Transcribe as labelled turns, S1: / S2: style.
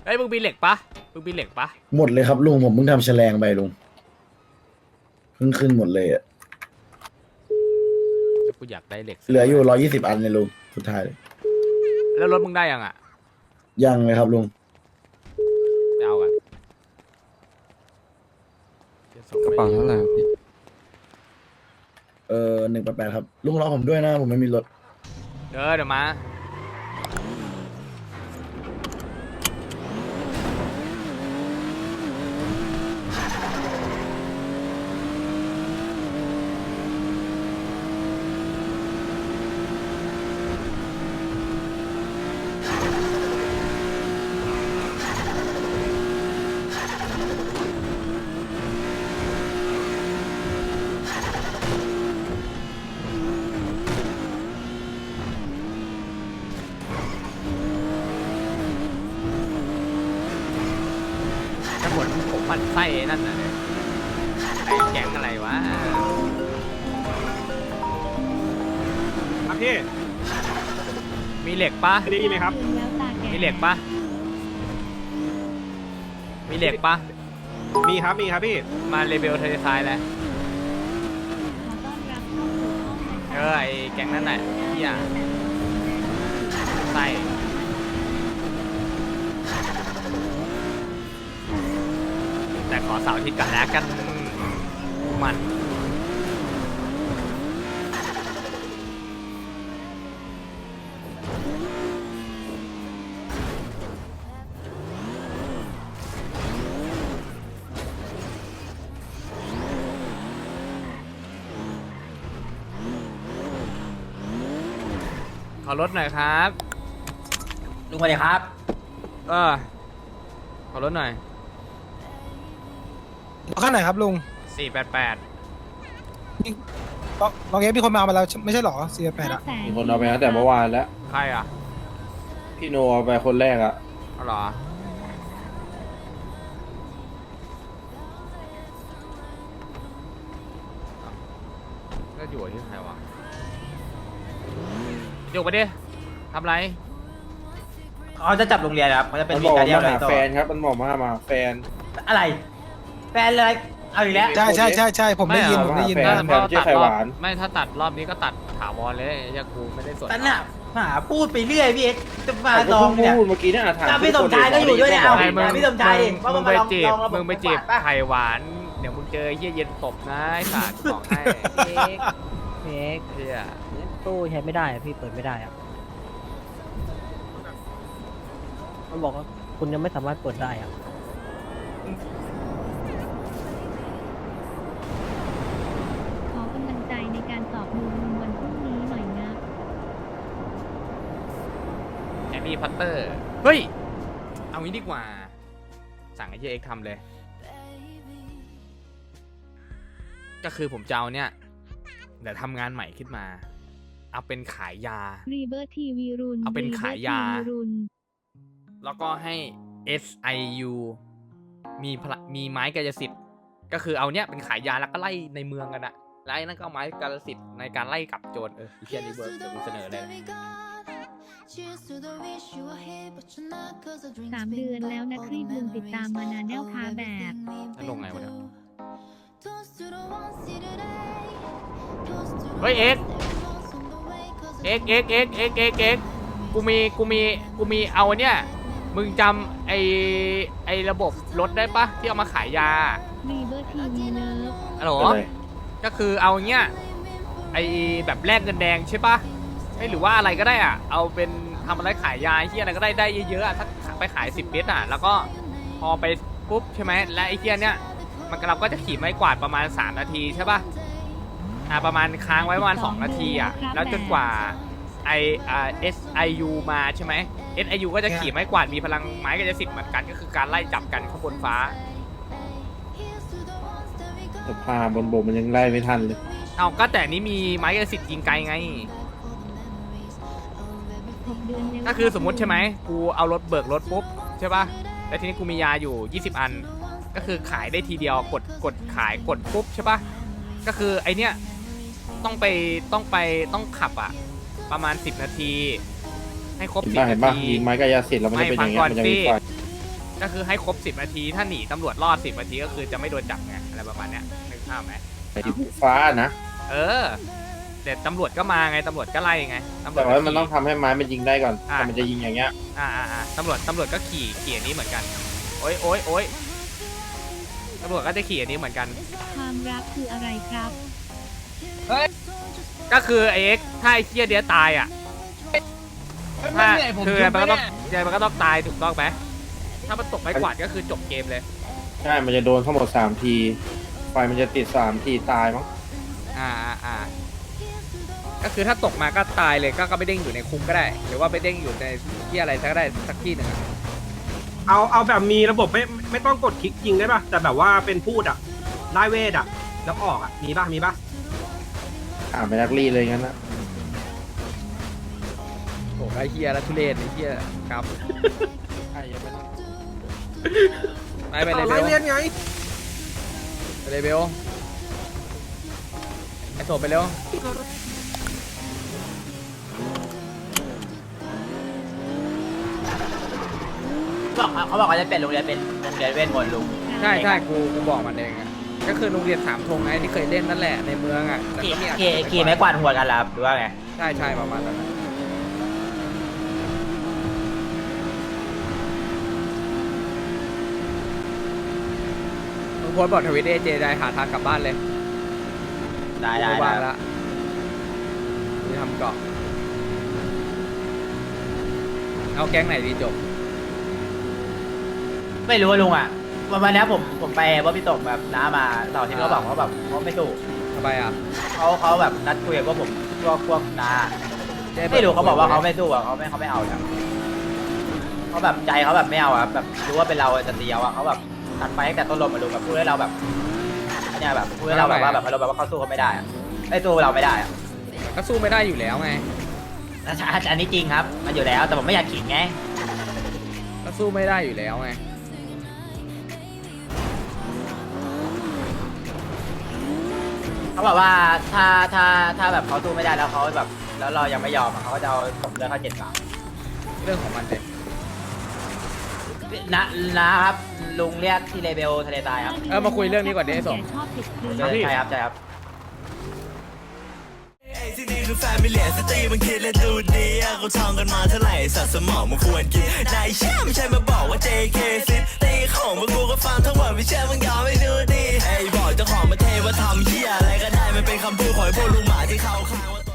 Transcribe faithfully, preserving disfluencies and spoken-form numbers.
S1: อ้ยมึงมีเหล็กปะมึงมีเหล็กปะ
S2: หมดเลยครับลุงผมเพิ่งทำแฉลงไปลุงเพิ่งขึ้นหมดเลยอะ
S1: แต่กูอยากได้เหล็ก
S2: เหลืออยู่ร้อยยี่สิบอันเลยลุงสุดท้ายเลย
S1: แล้วรถมึงได้ยังอ่ะ
S2: ยังเลยครับลุง
S1: ไปเอากัน
S3: กระเป๋าเท่าไหร่ครับพี่
S2: เออหนึ่งแปดแปดครับลุงรอผมด้วยนะผมไม่มีรถ
S1: เออเดี๋ยวมาถ้าหมดผมปั่นไส้ไอ้นั่นน่ะเนี่ยไอ้แก๊งอะไรวะ
S4: ครับพี่
S1: มีเหล็กปะ
S4: ได้ยินไหมครับ
S1: มีเหล็กปะมีเหล็กปะ
S4: มีครับ มีครับพี่
S1: มาเลเบลเทเลซายเลยเออไอ้แก๊งนั่นน่ะเฮียไส้แต่ขอเสาร์อาทิตย์กันแล้วกันมันขอรถหน่อยครับ
S5: ลุงสวัสดีครับ
S1: เออขอรถหน่อย
S6: ข้างไหนครับลุง
S1: สี่แปดแปด
S6: ลองลองเอฟมีคนมาเอามาแล้วไม่ใช่หรอสี่แปดอะ
S3: มีคนเอาไปตั้งแต่เมื่อวานแล้ว
S1: ใครอ่ะ
S3: พี่โนเอาไปคนแรกอะ
S1: เอาเหรอก็อยู่ที่ใครวะอยู่ไปดิทำไร
S5: เขาจะจับโรงเรียนครับเขาจะเป็น
S3: มัน
S5: วี
S3: บอก
S5: การเดีย
S3: มา
S5: อะไร
S3: หา
S5: ต่อ
S3: แฟนครับ มันบอกมามาแฟน
S5: อะไร แฟนเลย เอาอีกแล้ว
S6: ใช่ใช่ใช่ใช่ผมได้ยินผมได้ยิน
S3: แฟ
S6: นะ
S3: น
S1: ถ้า
S3: ชื่
S1: ตั
S3: อ
S1: ด
S3: ไข่
S1: ร
S3: ห
S1: อบ
S3: วาน
S1: ไม่ถ้าตัดรอบนี้ก็ตัดถาวรเลยไอ้เหี้ยกูไม่ได้สน
S5: แต่น่ะหาพูดไปเรื่อยพี่เอ็กซ์จะมา
S3: แต่
S5: ล
S3: ก็
S5: อง
S3: เพิ่ง
S5: เนี่ย
S3: พูดเมื่อกี้เนี่ยถาม
S5: อ่ะพี่สมชายก็อยู่ด้วยเนี่ยเอา
S1: ไอ้มึง
S5: พี่สมชายเองว่า
S1: มึ
S5: มึ
S1: ง
S5: ง
S1: ไป
S5: มาลอง
S1: จีบ
S5: ลองระบบ
S1: มึงไปจีบ
S5: ป่ะ
S1: ไข่หวานเดี๋ยวมึงเจอไอ้เหี้ยเย็นตบนะไอ้สัตว์บอกให้
S7: เมกเมก
S1: เหี้ย
S7: ตู้ใช้ไม่ได้อะพี่เปิดไม่ได้อะมันบอกว่าคุณยังไม่สามารถเปิดได้อะ
S8: ขอกำลังใจในการสอบมูลวันพรุ่งนี้หน่อยนะ
S1: แอมมี่พัตเตอร์เฮ้ยเอางี้ดีกว่าสั่งไอ้เหี้ยเอ็กซ์ทำเลย ก็คือผมจะเอาเนี่ยเดี๋ยวทำงานใหม่ขึ้นมา เอาเป็นขายยา
S8: รีเบอร์ทีวีรุน
S1: เอาเป็นขายยา
S8: River ทีวีรุน
S1: แล้วก็ให้ เอส ไอ ยู มีพละมีไม้กายสิทธิ์ก็คือเอาเนี้ยเป็นขายยาแล้วก็ไล่ในเมืองกันอะไล่นั่นก็เอาไม้กายสิทธิ์ในการไล่กลับโจรเออไอ้เชียรีเวิร์สเดี๋ยวกูเสนอเลยนะ
S8: สามเดือนแล้วนะครีบลุงติดตามมานานแนวคาแบบ
S1: แล้วลงไงวะเนี่ยเฮ้ยเอ็กเอ็กเอ็กเอ็กเอ็กเอ็กเอ็กกูมีกูมีกูมีเอาเนี่ยมึงจำไอไอระบบรถได้ปะที่เอามาขายยา
S8: รีเบอร์ทีวีเลิฟ
S1: ฮัลโหล
S3: อะไร
S1: ก็คือเอาเงี้ยไอแบบแลกเงินแดงใช่ปะไม่หรือว่าอะไรก็ได้อ่ะเอาเป็นทำอะไรขายยาที่อะไรก็ได้ได้เยอะๆอะถ้าไปขายสิบเมตรอ่ะแล้วก็พอไปปุ๊บใช่ไหมและไอ้เทียเนี้ยมันเราก็จะขี่ไม้กวาดประมาณสามนาทีใช่ปะอ่าประมาณค้างไว้ประมาณสองนาทีอ่ะแล้วจนกว่าไออ่า เอส ไอ ยู มาใช่ไหม เอส ไอ ยู ก็จะขี่ไม้กวาดมีพลังไม้กายสิทธิ์เหมือนกันก็คือการไล่จับกันข้างบนฟ้า
S3: แต่พาบนบกมันยังไล่ไม่ทันเลย
S1: เอาก็แต่นี้มีไม้กายสิทธิ์ยิงไกลไง
S8: หกเดือนแล้ว
S1: ก็คือสมมติใช่ไหมกูเอารถเบิกรถปุ๊บใช่ป่ะแล้วทีนี้กูมียาอยู่ยี่สิบอันก็คือขายได้ทีเดียวกดกดขายกดปุ๊บใช่ป่ะก็คือไอเนี้ยต้องไปต้องไปต้องขับอ่ะประมาณสิบนาทีให้ครบ
S3: เห็น
S1: สิบ
S3: ป่ะเห็
S1: นาน
S3: ป่ะ
S1: ที
S3: ยิงไม้กายสิทธิ์แล้วมันจะเป็นอย่างเงี้ยมันจะมีไฟ
S1: ก็คือให้ครบสิบนาทีถ้าหนีตำรวจรอดสิบนาทีก็คือจะไม่โดนจับไงอะไรประมาณเนี้ยนึกภาพไหม
S3: ไอ้ที่ฟ้านะ
S1: เออแต่ตำรวจก็มาไงตำรวจก็ไล่ไงตำรว
S3: แต่
S1: จ
S3: ว่า
S1: ก็
S3: มันต้อง
S1: ขี่
S3: ทำให้ไม้มันยิงได้ก่อน
S1: อ่า
S3: แต่มันจะยิงอย่างเงี้ย
S1: อ่าอ่าอ่าตำรวจตำรวจก็ขี่ขี่อันนี้เหมือนกันโอ๊ยโอ๊ยโอ๊ยตำรวจก็จะขี่อันนี้เหมือนกัน
S8: ความรักคืออะไรครับ
S1: ก็คือไอ้เอ็กซ์ถ้าไอ้เคียเดียตายอ่ะถ้าคือมันก็ต้องยังมันก็ต้องตายถูกต้องไหมถ้ามันตกไม้กวาดก็คือจบเกมเลย
S3: ใช่มันจะโดนทั้งหมดสามทีไฟมันจะติดสามทีตายมั้ง
S1: อ่าอ่าอ่าก็คือถ้าตกมาก็ตายเลยก็ก็ไปเด้งอยู่ในคุกก็ได้ หรือว่าไปเด้งอยู่ในที่อะไรสักก็ได้สักที่หนึ่งอะ
S4: เอาเอาแบบมีระบบไม่ไม่ต้องกดคลิกยิงได้ป่ะแต่แบบว่าเป็นพูดอ่ะไล่เวทอ่ะแล้วออกอ่ะมีป่ะมีป่ะ
S3: อ่าไปนักรีเลยงั้นนะ
S1: โอ้ไอ้เฮียแล้วทุเรศไอ้เฮียครับ
S3: ไอ้ยังไม่ต้อง
S1: ไปไปเลย
S4: เอา
S1: เบ
S4: ไล่
S1: ล
S4: เลียนไง
S1: ไปเลยเบลไอ้โถไปเร็ว
S5: บอกเขาบอกเขาจะเป็นโรงเรียนเป็นโรงเรียนเวทมนต์ลุง
S1: ใช่ใช่กูกูบอกมันเองอะก็คือโรงเรียนสามธงไงที่เคยเล่นนั่นแหละในเมืองอ่ะแต่
S5: ขี่
S1: ก็มีอา
S5: ขี่ขี่ไม้กวาดหัวกันแล้วหรือว่าไง
S1: ใช่ใช่ประมาณนั้นอะมึงโพสต์บอกทวิตเอเจได้หาทางกลับบ้านเลย
S5: ได้ได้
S1: กู
S5: ได้
S1: ว่างละกูทำเกาะเอาแก๊งไหนดีจบ
S5: ไม่รู้ว่าลุงอ่ะวันวันนี้ผมผมไปว่าพี่ตกแบบน้ามาเสาร์อาที่เขาบอกเขาแบบเขาไม่สู้
S1: ทำไมอ่ะ
S5: เขาเขาแบบนัดคุยกับพวกผมพวกพวกน้าไม่รู้เขาบอกว่าเขาไม่สู้อ่ะเขาไม่เขาไม่เอาแล้วเขาแบบใจเขาแบบไม่เอาอ่ะแบบรู้ว่าเป็นเราจะตีเอาอ่ะเขาแบบนัดไปตั้งแต่ต้นลมมาดูแบบพูดให้เราแบบเนี่ยแบบพูดให้เราแบบว่าแบบเราแบบว่าเขาสู้เขาไม่ได้อ่ะไม่สู้เราไม่ได้อ่ะ
S1: ก็สู้ไม่ได้อยู่แล้วไง
S5: อันนี้จริงครับมันอยู่แล้วแต่ผมไม่อยากขิงไง
S1: ก็สู้ไม่ได้อยู่แล้วไง
S5: เขาบอกว่าถ้าถ้าถ้าแบบเขาสู้ไม่ได้แล้วเขาแบบแล้วเรายังไม่ยอมอะเขาก็จะเอาผมเลือกเขาเจ็ดบาท
S1: เรื่องของมันเลย
S5: นะนะครับลุงเรียกที่เลเบลทะเลทรายครับ
S1: เออมาคุยเรื่องนี้ก่อนดิไอ้สม
S8: ชอบติดพื้น
S5: ใช่ครับใช่ครับ
S9: ที่นี่คือแฟมิเลียสตรีมันคิดและดูดีอะเขาท่องกันมาเท่าไหร่สัตว์สมองมันควรกินนายเชื่อไม่ใช่มาบอกว่า เจ เค ซิตีของพวกกูก็ฟังทั้งหมดไม่เชื่อมึงยอมไม่ดูดีไอ้บอกเจ้าของประเทศว่าทำเหี้ยอะไรก็ได้มันเป็นคำพูดของไอ้พวกลุงหมาที่เขาข้างว่า